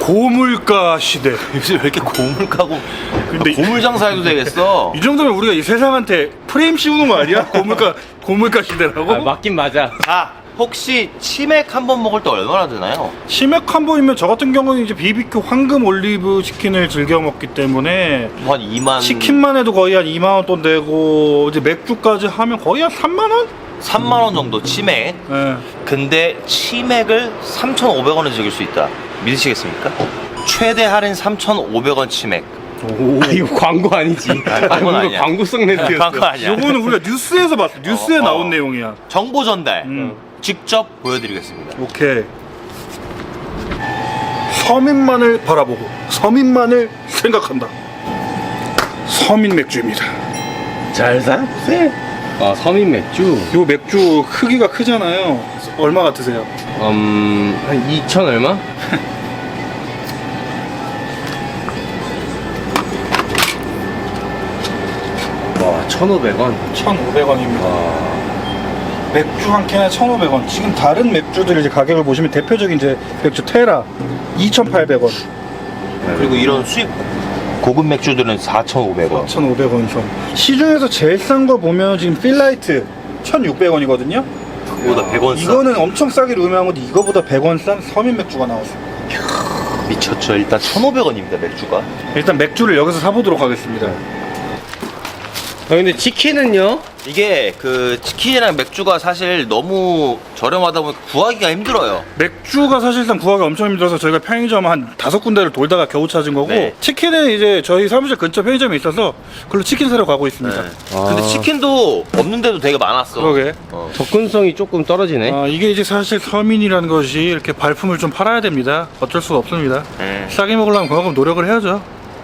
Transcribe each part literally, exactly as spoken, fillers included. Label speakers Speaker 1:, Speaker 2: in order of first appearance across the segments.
Speaker 1: 고물가 시대.
Speaker 2: 요즘 왜 이렇게 고물가고
Speaker 1: 근데
Speaker 2: 고물 장사해도 되겠어?
Speaker 1: 이 정도면 우리가 이 세상한테 프레임 씌우는 거 아니야? 고물가 고물가 시대라고?
Speaker 3: 아, 맞긴 맞아.
Speaker 2: 자, 혹시 치맥 한 번 먹을 때 얼마나 드나요?
Speaker 1: 치맥 한 번이면 저 같은 경우는 이제 비비큐 황금 올리브 치킨을 즐겨 먹기 때문에
Speaker 2: 한 이만
Speaker 1: 치킨만 해도 거의 한 이만 원 돈 되고 이제 맥주까지 하면 거의 한 삼만 원?
Speaker 2: 삼만 원 정도 치맥.
Speaker 1: 네.
Speaker 2: 근데 치맥을 삼천오백 원에 즐길 수 있다. 믿으시겠습니까? 최대 할인 삼천오백 원 치맥.
Speaker 1: 오.
Speaker 3: 아, 이거 광고 아니지.
Speaker 2: 아, 광고는
Speaker 3: 아, 뭔가
Speaker 2: 아니야.
Speaker 3: 광고성 멘트였어.
Speaker 2: 광고 아니야.
Speaker 1: 요거는 우리가 뉴스에서 봤어. 뉴스에
Speaker 2: 어,
Speaker 1: 나온
Speaker 2: 어.
Speaker 1: 내용이야.
Speaker 2: 정보 전달
Speaker 1: 음.
Speaker 2: 직접 보여드리겠습니다.
Speaker 1: 오케이. 서민만을 바라보고 서민만을 생각한다. 서민 맥주입니다.
Speaker 3: 잘 사보세요. 아, 서민 맥주.
Speaker 1: 요 맥주 크기가 크잖아요. 얼마 같으세요?
Speaker 3: 음, 한 이천 얼마? 와, 천오백 원.
Speaker 1: 천오백 원입니다.
Speaker 3: 와.
Speaker 1: 맥주 한 캔에 천오백 원. 지금 다른 맥주들 이제 가격을 보시면 대표적인 이제 맥주 테라 이천팔백 원,
Speaker 2: 그리고 이런 수입 고급 맥주들은 사천오백 원.
Speaker 1: 천오백 원 선. 시중에서 제일 싼 거 보면 지금 필라이트 천육백 원이거든요.
Speaker 2: 그보다 백 원 싸.
Speaker 1: 이거는 엄청 싸기로 유명한 건데 이거보다 백 원 싼 서민 맥주가 나왔어요.
Speaker 2: 미쳤죠. 일단 천오백 원입니다 맥주가.
Speaker 1: 일단 맥주를 여기서 사보도록 하겠습니다.
Speaker 3: 아, 근데 치킨은요?
Speaker 2: 이게 그 치킨이랑 맥주가 사실 너무 저렴하다 보니까 구하기가 힘들어요.
Speaker 1: 맥주가 사실상 구하기 엄청 힘들어서 저희가 편의점 한 다섯 군데를 돌다가 겨우 찾은 거고,
Speaker 2: 네.
Speaker 1: 치킨은 이제 저희 사무실 근처 편의점에 있어서 그걸로 치킨 사러 가고 있습니다.
Speaker 2: 네.
Speaker 3: 아.
Speaker 2: 근데 치킨도 없는 데도 되게 많았어.
Speaker 1: 그러게.
Speaker 2: 어.
Speaker 3: 접근성이 조금 떨어지네.
Speaker 1: 아, 이게 이제 사실 서민이라는 것이 이렇게 발품을 좀 팔아야 됩니다. 어쩔 수가 없습니다.
Speaker 2: 네.
Speaker 1: 싸게 먹으려면 그만큼 노력을 해야죠.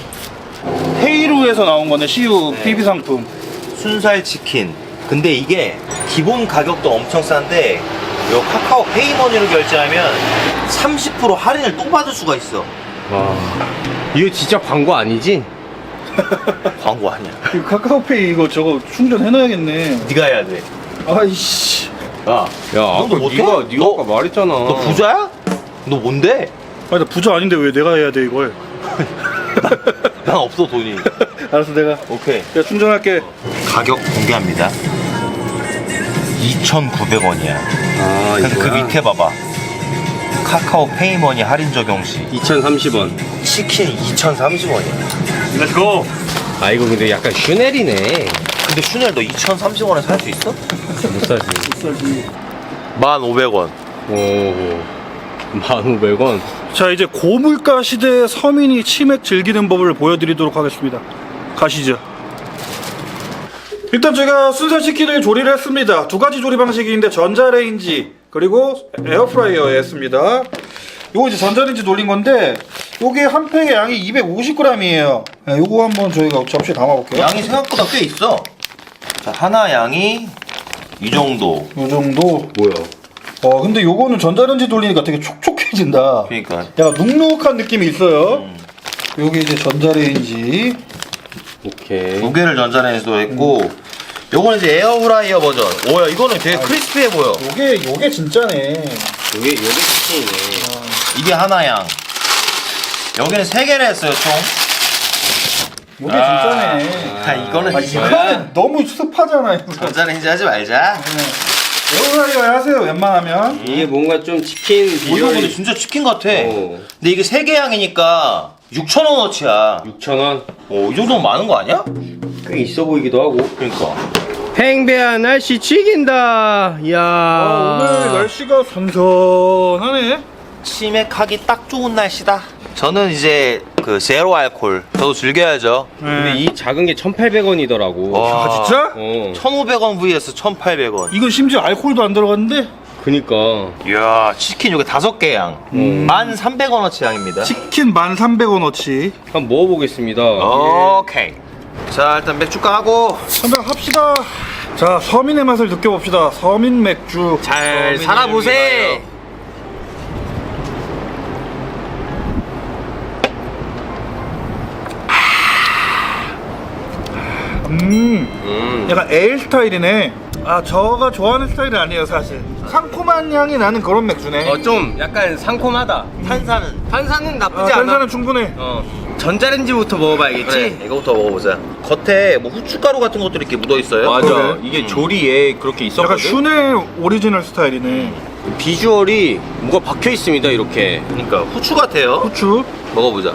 Speaker 1: 헤이루에서 나온 거네, 씨유
Speaker 2: 네.
Speaker 1: 피비 상품.
Speaker 2: 순살 치킨. 근데 이게 기본 가격도 엄청 싼데 요 카카오 페이머니로 결제하면 삼십 퍼센트 할인을 또 받을 수가 있어.
Speaker 3: 와. 이거 진짜 광고 아니지?
Speaker 2: 광고 아니야.
Speaker 1: 이 카카오페이 이거 저거 충전해놔야겠네.
Speaker 2: 네가 해야 돼.
Speaker 1: 아이씨.
Speaker 2: 야,
Speaker 3: 야,
Speaker 2: 너도
Speaker 3: 아까
Speaker 2: 못해?
Speaker 3: 네가 네가
Speaker 2: 너-
Speaker 3: 아까 말했잖아.
Speaker 2: 너 부자야? 너 뭔데?
Speaker 1: 아니, 나 부자 아닌데 왜 내가 해야 돼, 이걸.
Speaker 2: 난 없어 돈이.
Speaker 1: 알았어, 내가.
Speaker 2: 오케이.
Speaker 1: 내가 충전할게.
Speaker 2: 가격 공개합니다. 이천구백 원이야.
Speaker 3: 아,
Speaker 2: 근데 그
Speaker 3: 이거야?
Speaker 2: 밑에 봐봐. 카카오 페이머니 할인 적용 시
Speaker 3: 이천삼십 원.
Speaker 2: 치킨 이천삼십 원이야.
Speaker 1: 렛츠고.
Speaker 3: 아, 이거 근데 약간 슈넬이네.
Speaker 2: 근데 슈넬 너 이천삼십 원에 살 수 있어?
Speaker 3: 못 사지.
Speaker 2: 만 오백 원.
Speaker 3: 오. 만 오백 원.
Speaker 1: 자, 이제 고물가 시대의 서민이 치맥 즐기는 법을 보여드리도록 하겠습니다. 가시죠. 일단 제가 순살 치킨을 조리를 했습니다. 두 가지 조리 방식이 있는데 전자레인지 그리고 에어프라이어에 했습니다. 요거 이제 전자레인지 돌린 건데 요게 한 팩의 양이 이백오십 그램이에요. 네, 요거 한번 저희가 접시에 담아볼게요.
Speaker 2: 양이 생각보다 꽤 있어. 자, 하나 양이 이 정도.
Speaker 1: 요 정도.
Speaker 3: 뭐야?
Speaker 1: 어 근데 요거는 전자레인지 돌리니까 되게 촉촉해진다.
Speaker 2: 그러니까.
Speaker 1: 약간 눅눅한 느낌이 있어요.
Speaker 2: 음.
Speaker 1: 요게 이제 전자레인지.
Speaker 3: 오케이.
Speaker 2: 두 개를 전자레인지도 했고, 요거는 이제 에어프라이어 버전. 오야, 이거는 되게 크리스피해 보여.
Speaker 1: 요게 요게 진짜네.
Speaker 3: 요게 요게 치킨이네.
Speaker 2: 이게 하나 양. 여기는 세 개를 했어요, 총.
Speaker 1: 요게 진짜네.
Speaker 2: 아, 이거는
Speaker 1: 아,
Speaker 2: 진짜.
Speaker 1: 이거는 너무 습하잖아요. 이거.
Speaker 2: 전자레인지 하지 말자.
Speaker 1: 에어프라이어 하세요. 웬만하면.
Speaker 3: 이게 뭔가 좀 치킨
Speaker 2: 오, 이거 근데
Speaker 3: 비주얼이
Speaker 2: 진짜 치킨 같아.
Speaker 3: 어.
Speaker 2: 근데 이게 세 개 양이니까 육천 원어치야.
Speaker 3: 육천 원.
Speaker 2: 오, 이 정도면 많은 거 아니야?
Speaker 3: 꽤 있어 보이기도 하고.
Speaker 2: 그러니까.
Speaker 3: 팽배한 날씨 죽인다. 이야.
Speaker 1: 아, 오늘 날씨가 선선하네.
Speaker 2: 치맥하기 딱 좋은 날씨다. 저는 이제 그 제로 알콜. 저도 즐겨야죠.
Speaker 3: 근데 이 작은 게 천팔백 원이더라고.
Speaker 2: 와.
Speaker 1: 아 진짜?
Speaker 3: 어.
Speaker 2: 천오백 원 vs 천팔백 원.
Speaker 1: 이건 심지어 알코올도 안 들어갔는데
Speaker 3: 그니까.
Speaker 2: 이야, 치킨 요게 다섯 개 양.
Speaker 3: 음.
Speaker 2: 만 삼백 원어치 양입니다.
Speaker 1: 치킨 만 삼백 원어치.
Speaker 3: 한번 먹어보겠습니다.
Speaker 2: 오케이. 자, 일단 맥주 까고
Speaker 1: 한잔 합시다. 자, 서민의 맛을 느껴봅시다. 서민 맥주.
Speaker 2: 잘
Speaker 3: 서민을
Speaker 2: 살아보세.
Speaker 3: 위하여.
Speaker 1: 음,
Speaker 3: 음.
Speaker 1: 약간 에일 스타일이네. 아, 저가 좋아하는 스타일이 아니에요 사실. 상콤한 향이 나는 그런 맥주네.
Speaker 3: 어, 좀 약간 상콤하다.
Speaker 2: 탄산은
Speaker 3: 탄산은
Speaker 1: 아,
Speaker 3: 나쁘지 않아.
Speaker 1: 탄산은 충분해.
Speaker 3: 어. 전자레인지부터 먹어봐야겠지?
Speaker 2: 그래, 이거부터 먹어보자. 겉에 뭐 후춧가루 같은 것들이 이렇게 묻어 있어요.
Speaker 3: 맞아.
Speaker 1: 그래.
Speaker 3: 이게
Speaker 2: 음.
Speaker 3: 조리에 그렇게
Speaker 1: 약간
Speaker 3: 있었거든.
Speaker 1: 슈넬 오리지널 스타일이네.
Speaker 3: 비주얼이 뭐가 박혀 있습니다. 이렇게.
Speaker 2: 그러니까 후추 같아요.
Speaker 1: 후추.
Speaker 2: 먹어보자.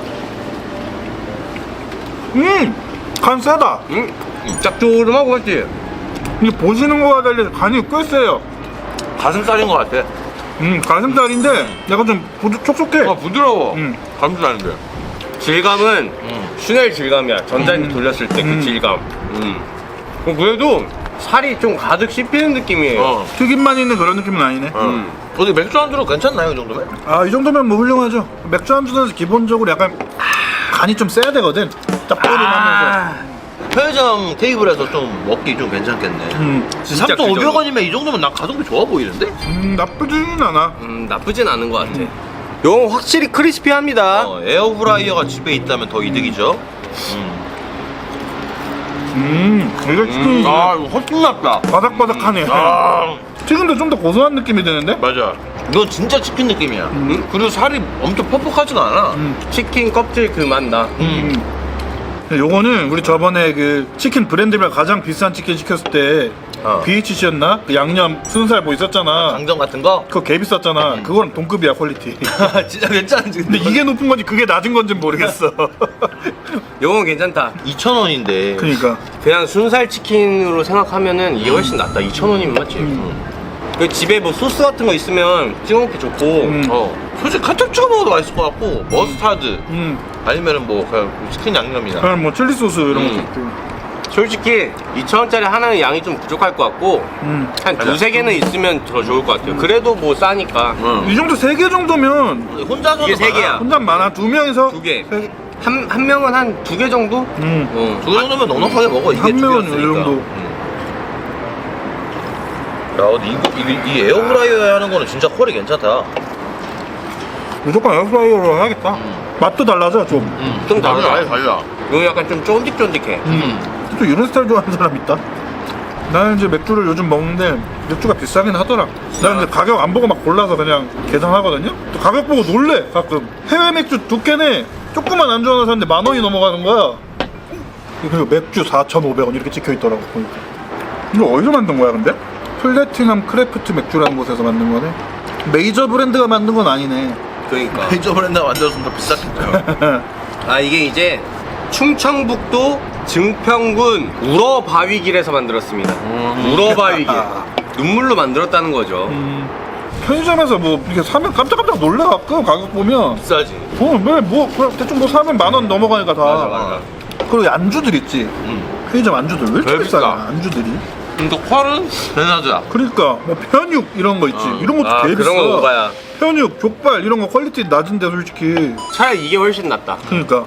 Speaker 1: 음, 간 세다.
Speaker 3: 음, 짭조름하고 맞지?
Speaker 1: 이게 보시는 거와 달리 간이 꽤 세요.
Speaker 2: 가슴살인 것 같아.
Speaker 1: 음, 가슴살인데 약간 좀 부드, 촉촉해.
Speaker 3: 아, 부드러워.
Speaker 1: 음.
Speaker 3: 감사한데. 질감은
Speaker 2: 음.
Speaker 3: 슈넬 질감이야. 전자레인지
Speaker 1: 음.
Speaker 3: 돌렸을 때 그
Speaker 1: 음.
Speaker 3: 질감. 음. 어, 그래도 살이 좀 가득 씹히는 느낌이에요.
Speaker 2: 어.
Speaker 1: 튀김만 있는 그런 느낌은 아니네.
Speaker 2: 어.
Speaker 3: 음.
Speaker 2: 어디 맥주 안주로 괜찮나요, 이 정도면?
Speaker 1: 아, 이 정도면 뭐 훌륭하죠. 맥주 안주는 기본적으로 약간 간이 좀 세야 되거든. 짭조름하면서.
Speaker 2: 편의점 테이블에서 좀 먹기 좀 괜찮겠네.
Speaker 1: 음,
Speaker 3: 진짜
Speaker 2: 삼천오백 원이면 이 정도면 난 가성비 좋아 보이는데?
Speaker 1: 음, 나쁘지는 않아.
Speaker 3: 음, 나쁘진 않은 것 같아. 이건 확실히 크리스피합니다.
Speaker 2: 어, 에어프라이어가 집에 있다면 더 이득이죠. 음.
Speaker 1: 음, 이거 치킨이
Speaker 2: 아, 이거 훨씬 낫다.
Speaker 1: 바삭바삭하네.
Speaker 2: 아,
Speaker 1: 튀김도 좀 더 고소한 느낌이 드는데?
Speaker 2: 맞아. 이건 진짜 치킨 느낌이야.
Speaker 1: 음.
Speaker 2: 그리고 살이 엄청 퍽퍽하지가 않아.
Speaker 1: 음.
Speaker 3: 치킨 껍질 그 맛 나.
Speaker 2: 음.
Speaker 1: 근데 요거는 우리 저번에 그 치킨 브랜드별 가장 비싼 치킨 시켰을 때
Speaker 2: 어.
Speaker 1: 비에이치씨였나? 그 양념 순살 뭐 있었잖아.
Speaker 2: 강정 같은 거?
Speaker 1: 그거 개 비쌌잖아. 그거랑 동급이야 퀄리티.
Speaker 2: 진짜 괜찮은지.
Speaker 1: 근데 이게 높은 건지 그게 낮은 건지 모르겠어.
Speaker 3: 이건 괜찮다.
Speaker 2: 이천 원인데.
Speaker 1: 그러니까.
Speaker 3: 그냥 순살 치킨으로 생각하면은 이게 훨씬 낫다. 이천 원이면 맞지? 그 집에 뭐 소스 같은 거 있으면 찍어 먹기 좋고.
Speaker 1: 음.
Speaker 2: 어. 솔직히 카첩 찍어 먹어도 맛있을 것 같고, 머스타드.
Speaker 1: 음.
Speaker 2: 아니면은 뭐, 그냥 치킨 양념이나.
Speaker 1: 그냥 뭐 칠리 소스 이런
Speaker 3: 음.
Speaker 1: 것도 있고.
Speaker 3: 솔직히 이천 원짜리 하나는 양이 좀 부족할 것 같고
Speaker 1: 음.
Speaker 3: 한 두세 개는 있으면 더 좋을 것 같아요. 그래도 뭐 싸니까.
Speaker 2: 응.
Speaker 1: 이 정도 세 개 정도면
Speaker 2: 혼자서는
Speaker 3: 이게 세
Speaker 2: 많아.
Speaker 3: 개야.
Speaker 1: 혼자 많아. 두 명이서
Speaker 3: 두 개.
Speaker 1: 세 개.
Speaker 3: 한, 한 명은 한 두 개 정도?
Speaker 1: 음.
Speaker 3: 어.
Speaker 2: 두 정도면 넉넉하게 먹어. 이게
Speaker 1: 한
Speaker 2: 두
Speaker 1: 명은
Speaker 2: 개였으니까.
Speaker 1: 이 정도.
Speaker 2: 응. 야, 근데 이거, 이, 이 에어프라이어에 하는 거는 진짜 퀄이 괜찮다.
Speaker 1: 무조건 에어프라이어로 해야겠다.
Speaker 2: 음.
Speaker 1: 맛도 달라져 좀.
Speaker 2: 응.
Speaker 3: 좀 다르다.
Speaker 2: 아예 달라.
Speaker 3: 이거 약간 좀 쫀득쫀득해.
Speaker 2: 음.
Speaker 1: 또 이런 스타일 좋아하는 사람 있다. 나는 이제 맥주를 요즘 먹는데 맥주가 비싸긴 하더라. 나는 이제 가격 안 보고 막 골라서 그냥 계산하거든요. 또 가격 보고 놀래 가끔. 해외 맥주 두 캔에 조그만 안주 하나 샀는데 만 원이 넘어가는 거야. 그리고 맥주 사천오백 원 이렇게 찍혀 있더라고 보니까. 이거 어디서 만든 거야 근데? 플래티넘 크래프트 맥주라는 곳에서 만든 거네. 메이저 브랜드가 만든 건 아니네.
Speaker 3: 그러니까.
Speaker 2: 페이저 브랜드가 만들었으면 더 비쌌겠죠.
Speaker 3: 아 이게 이제 충청북도 증평군 우러바위길에서 만들었습니다.
Speaker 2: 음.
Speaker 3: 우러바위길. 눈물로 만들었다는 거죠.
Speaker 1: 음, 편의점에서 뭐 이렇게 사면 깜짝깜짝 놀래 가끔 가격 보면.
Speaker 2: 비싸지.
Speaker 1: 어, 왜뭐 그냥 대충 뭐 사면 만 원 넘어가니까 다.
Speaker 3: 맞아, 맞아.
Speaker 1: 그리고 안주들 있지.
Speaker 2: 응.
Speaker 1: 편의점 안주들 왜 이렇게
Speaker 2: 왜
Speaker 1: 비싸?
Speaker 2: 비싸?
Speaker 1: 안주들이.
Speaker 2: 근데 퀄은 괜찮아.
Speaker 1: 그러니까 뭐 편육 이런 거 있지.
Speaker 2: 어.
Speaker 1: 이런 것도
Speaker 3: 아
Speaker 1: 되게 비싸.
Speaker 3: 그런 거 먹어야.
Speaker 1: 편육, 족발 이런 거 퀄리티 낮은데 솔직히.
Speaker 3: 차라리 이게 훨씬 낫다.
Speaker 1: 그러니까.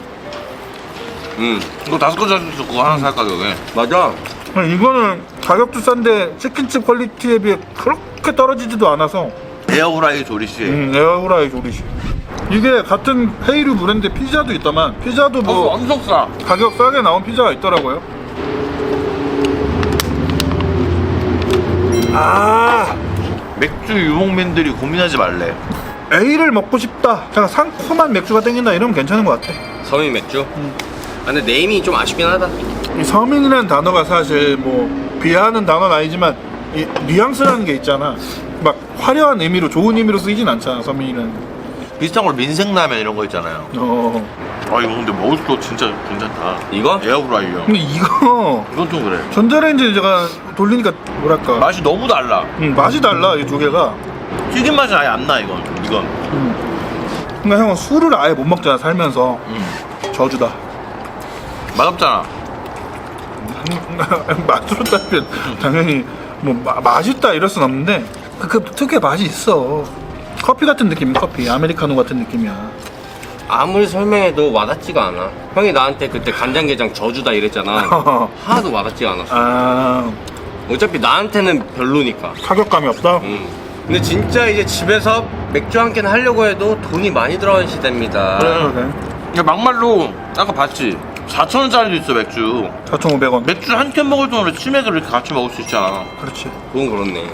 Speaker 3: 음
Speaker 2: 이거 다섯 건 사줄 수 있고 하나 살 가격에.
Speaker 3: 맞아.
Speaker 1: 아니, 이거는 가격도 싼데 치킨집 퀄리티에 비해 그렇게 떨어지지도 않아서.
Speaker 2: 에어프라이 조리씨.
Speaker 1: 음, 에어프라이 조리시. 이게 같은 헤이류 브랜드 피자도 있더만. 피자도 뭐
Speaker 2: 어, 엄청 싸.
Speaker 1: 가격 싸게 나온 피자가 있더라고요. 아,
Speaker 2: 맥주 유목민들이 고민하지 말래.
Speaker 1: A를 먹고 싶다. 제가 상큼한 맥주가 땡긴다 이러면 괜찮은 것 같아.
Speaker 3: 서민 맥주.
Speaker 1: 음.
Speaker 3: 아, 근데 네임이 좀 아쉽긴 하다.
Speaker 1: 이 서민이라는 단어가 사실 뭐 비하하는 단어는 아니지만 이 뉘앙스라는 게 있잖아. 막 화려한 의미로 좋은 의미로 쓰이진 않잖아 서민이라는.
Speaker 2: 비슷한 걸 민생라면 이런 거 있잖아요.
Speaker 1: 어.
Speaker 2: 아 이거 근데 먹을 거 진짜 괜찮다.
Speaker 3: 이거?
Speaker 2: 에어프라이어.
Speaker 1: 근데 이거
Speaker 2: 이건 좀 그래.
Speaker 1: 전자레인지 제가 돌리니까 뭐랄까.
Speaker 2: 맛이 너무 달라.
Speaker 1: 음, 맛이 달라 이 두 개가.
Speaker 2: 튀김 맛이 아예 안 나 이건. 이건.
Speaker 1: 음. 그러니까 형은 술을 아예 못 먹잖아 살면서.
Speaker 2: 음.
Speaker 1: 저주다.
Speaker 2: 맛없잖아.
Speaker 1: 맛으로 따지면 당연히 뭐 마, 맛있다 이럴 순 없는데 그, 그 특유의 맛이 있어. 커피 같은 느낌, 커피 아메리카노 같은 느낌이야.
Speaker 3: 아무리 설명해도 와닿지가 않아. 형이 나한테 그때 간장게장 저주다 이랬잖아. 하나도 와닿지가 않았어.
Speaker 1: 아,
Speaker 3: 어차피 나한테는 별로니까.
Speaker 1: 타격감이 없다.
Speaker 3: 음. 근데 진짜 이제 집에서 맥주 한 캔 하려고 해도 돈이 많이 들어가는 시대입니다.
Speaker 1: 그래.
Speaker 2: 그러니까 막말로 아까 봤지. 사천 원짜리도 있어 맥주.
Speaker 1: 사천오백 원.
Speaker 2: 맥주 한 캔 먹을 돈으로 치맥을 이렇게 같이 먹을 수 있잖아.
Speaker 1: 그렇지.
Speaker 3: 그건 그렇네.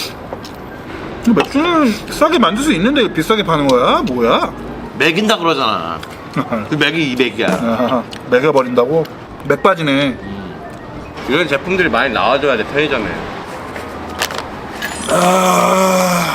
Speaker 1: 맥주는 싸게 만들 수 있는데 비싸게 파는 거야? 뭐야?
Speaker 2: 맥인다 그러잖아. 그 맥이 이백이야.
Speaker 1: 아하, 매겨버린다고? 맥바지네.
Speaker 3: 이런 제품들이 많이 나와줘야 돼 편의점에.
Speaker 1: 아...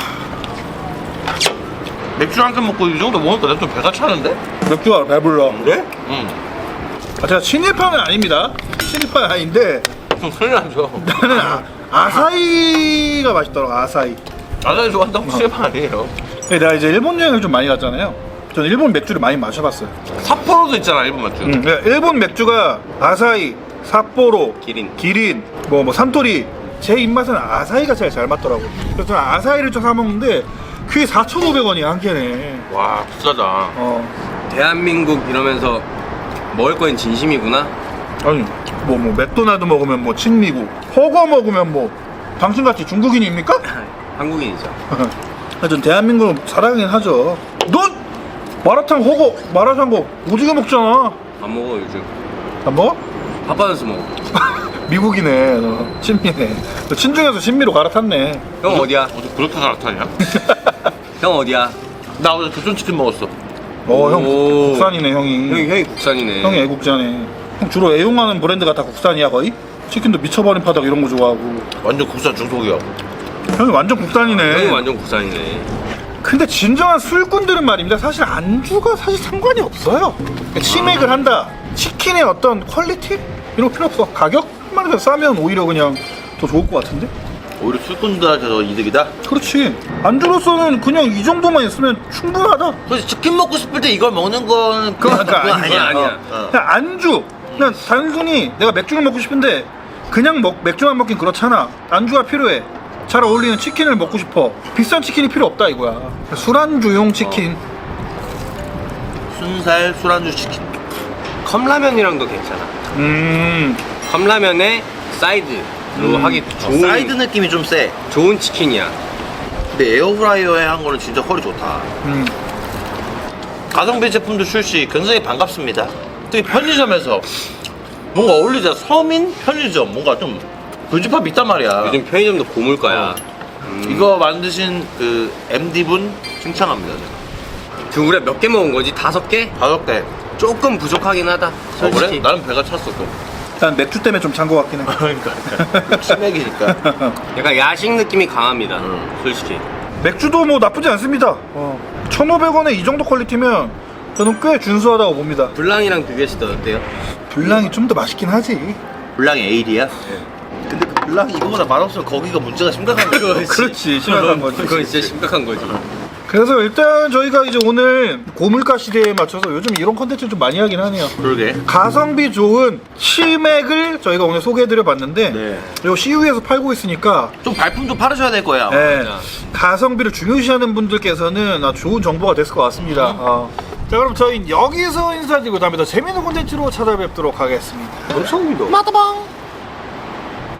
Speaker 2: 맥주 한 캔 먹고 이 정도 먹으니까 내가 좀 배가 차는데?
Speaker 1: 맥주가 배불러.
Speaker 2: 그래? 응.
Speaker 1: 아, 제가 친일파는 아닙니다. 친일파는 아닌데
Speaker 3: 좀 큰일 나죠.
Speaker 1: 나는 아, 아사히가 맛있더라고. 아사히.
Speaker 2: 아사히 좋아한다고 실패 아니에요.
Speaker 1: 내가 이제 일본 여행을 좀 많이 갔잖아요. 저는 일본 맥주를 많이 마셔봤어요.
Speaker 2: 삿포로도 있잖아 일본 맥주.
Speaker 1: 음, 그러니까 일본 맥주가 아사히, 삿포로,
Speaker 3: 기린.
Speaker 1: 기린, 뭐, 뭐 산토리. 제 입맛은 아사히가 제일 잘 맞더라고. 그래서 저는 아사히를 좀 사 먹는데 그게 사천오백 원이야 한 캔에.
Speaker 2: 와 비싸다.
Speaker 1: 어.
Speaker 3: 대한민국 이러면서 먹을 거엔 진심이구나.
Speaker 1: 아니 뭐 뭐 맥도날드 먹으면 뭐 친미국, 허거 먹으면 뭐 당신같이 중국인입니까?
Speaker 3: 한국인이죠.
Speaker 1: 전 대한민국 사랑하긴 하죠. 넌 마라탕 허거 마라샹궈 오지게 먹잖아.
Speaker 3: 안 먹어 요즘.
Speaker 1: 안 먹어?
Speaker 3: 바빠져서 먹어.
Speaker 1: 미국이네. 너 친미네. 너 친중에서 친미로 갈아탔네.
Speaker 3: 형 어디야?
Speaker 2: 어디 그렇게 갈아타냐?
Speaker 3: 형 어디야?
Speaker 2: 나 어제 교촌치킨 먹었어.
Speaker 1: 어 형
Speaker 3: 오.
Speaker 1: 국산이네 형이.
Speaker 3: 형이 형이 국산이네.
Speaker 1: 형이 애국자네. 형 주로 애용하는 브랜드가 다 국산이야 거의? 치킨도 미쳐버린 파닭 이런 거 좋아하고.
Speaker 2: 완전 국산 중속이야.
Speaker 1: 형이 완전 국산이네.
Speaker 3: 형이 완전 국산이네.
Speaker 1: 근데 진정한 술꾼들은 말입니다. 사실 안주가 사실 상관이 없어요. 그러니까 치맥을 한다. 치킨의 어떤 퀄리티? 이런 거 필요 없어. 가격만 해서 싸면 오히려 그냥 더 좋을 것 같은데?
Speaker 2: 오히려 술꾼들한테 더 이득이다.
Speaker 1: 그렇지. 안주로서는 그냥 이 정도만 있으면 충분하다.
Speaker 2: 그래서 치킨 먹고 싶을 때 이걸 먹는 건
Speaker 1: 그건
Speaker 2: 그건
Speaker 1: 아니야.
Speaker 2: 아니야.
Speaker 3: 아니야.
Speaker 2: 어, 어.
Speaker 1: 그냥 안주. 그냥 단순히 내가 맥주를 먹고 싶은데 그냥 먹, 맥주만 먹긴 그렇잖아. 안주가 필요해. 잘 어울리는 치킨을 먹고 싶어. 비싼 치킨이 필요 없다 이거야. 술안주용 치킨.
Speaker 2: 순살 술안주 치킨.
Speaker 3: 컵라면이랑도 괜찮아.
Speaker 1: 음.
Speaker 3: 컵라면에 사이드로
Speaker 1: 음.
Speaker 3: 하기
Speaker 2: 어,
Speaker 3: 좋은
Speaker 2: 사이드 느낌이 좀 세.
Speaker 3: 좋은 치킨이야.
Speaker 2: 근데 에어프라이어에 한 거는 진짜 퀄이 좋다.
Speaker 1: 음.
Speaker 2: 가성비 제품도 출시 굉장히 반갑습니다. 특히 편의점에서 뭔가 어울리자. 서민 편의점 뭔가 좀 교집합이 있단 말이야.
Speaker 3: 요즘 편의점도 고물가야. 음.
Speaker 2: 이거 만드신 그 엠디분 칭찬합니다. 제가.
Speaker 3: 그 우리가 몇 개 먹은 거지? 다섯 개?
Speaker 2: 다섯 개.
Speaker 3: 조금 부족하긴 하다.
Speaker 2: 어,
Speaker 3: 솔직히.
Speaker 2: 그래? 나는 배가 찼어 또.
Speaker 1: 난 맥주 때문에 좀 찬 것 같긴 해.
Speaker 2: 그러니까, 그러니까. 치맥이니까.
Speaker 3: 약간 야식 느낌이 강합니다.
Speaker 2: 음.
Speaker 3: 솔직히.
Speaker 1: 맥주도 뭐 나쁘지 않습니다. 어. 천오백 원에 이 정도 퀄리티면 저는 꽤 준수하다고 봅니다.
Speaker 3: 블랑이랑 비교했을 때 어때요?
Speaker 1: 블랑이 좀 더 맛있긴 하지.
Speaker 2: 블랑이 에일이야? 근데 그 블랑이 이거보다 맛없으면 거기가 문제가 심각한 거야.
Speaker 1: 그렇지, 심각한 거지.
Speaker 3: 그건 진짜 심각한 거지.
Speaker 1: 그래서 일단 저희가 이제 오늘 고물가 시대에 맞춰서 요즘 이런 컨텐츠 좀 많이 하긴 하네요.
Speaker 2: 그러게.
Speaker 1: 가성비 좋은 치맥을 저희가 오늘 소개해드려 봤는데
Speaker 2: 네.
Speaker 1: 그리고 씨유에서 팔고 있으니까
Speaker 2: 좀 발품 좀 팔으셔야 될 거야.
Speaker 1: 네,
Speaker 3: 맞아.
Speaker 1: 가성비를 중요시하는 분들께서는 아주 좋은 정보가 됐을 것 같습니다. 어. 자 그럼 저희는 여기서 인사드리고 다음에 더 재밌는 콘텐츠로 찾아뵙도록 하겠습니다.
Speaker 3: 엄청 믿어.
Speaker 1: 마다방.